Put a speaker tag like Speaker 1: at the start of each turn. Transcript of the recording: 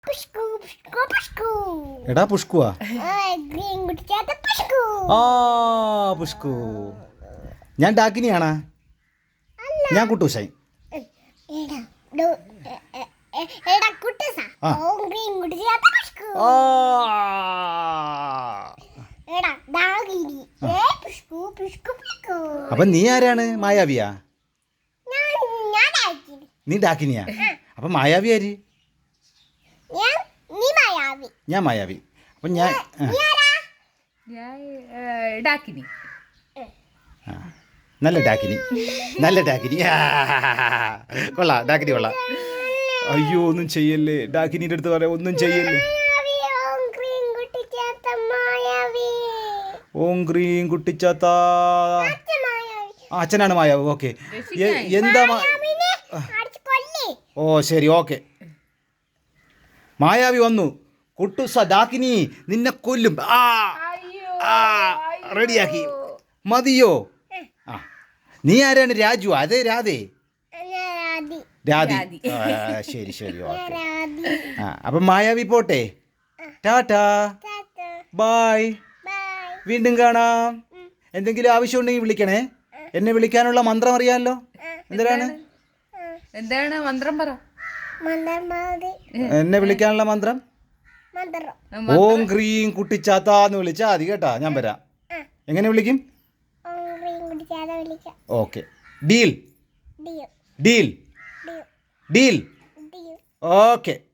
Speaker 1: എടാ പുഷ്കുവാ ആ പുഷ്കു. ഞാൻ ഡാക്കിനിയാണാ. ഞാൻ കുട്ടൂസായി. അപ്പൊ നീ ആരാണ്? മായാവിയാ? നീ ഡാക്കിനിയാ? അപ്പൊ മായാവി ആര്? ഞാൻ മായാവി. അപ്പൊ ഞാൻ
Speaker 2: ഡാക്കിനി.
Speaker 1: നല്ല ഡാക്കിനി, നല്ല ഡാക്കിനി. കൊള്ളാം, ഡാക്കിനി കൊള്ളാം. അയ്യോ ഒന്നും ചെയ്യല്ലേ, ഡാക്കിനിയുടെ അടുത്ത് പറയാം ഒന്നും ചെയ്യല്ലേ. ഓം ക്രീം കുട്ടിച്ചാത്ത. അച്ഛനാണ് മായാവ്. ഓക്കെ, എന്താ ഓ ശരി ഓക്കെ. മായാവി വന്നു. കുട്ടുസ ഡാക്കിനി നിന്നെ കൊല്ലും. റെഡിയാക്കി മതിയോ? ആ നീ ആരാണ്? രാജു? അതെ രാധേ. രാധി. ശരി ശരി ഓക്കെ. അപ്പം മായാവി പോട്ടെ. Tata bye. വീണ്ടും കാണാം. എന്തെങ്കിലും ആവശ്യമുണ്ടെങ്കിൽ വിളിക്കണേ. എന്നെ വിളിക്കാനുള്ള മന്ത്രം അറിയാമല്ലോ.
Speaker 2: എന്താണ് മന്ത്രം? പറ.
Speaker 1: എന്നെ വിളിക്കാനുള്ള മന്ത്രം ഓം ക്രീം കുട്ടിച്ചാത്താന്ന് വിളിച്ചാ മതി കേട്ടാ. ഞാൻ വരാം. എങ്ങനെ വിളിക്കും? Okay. Deal deal deal. Okay.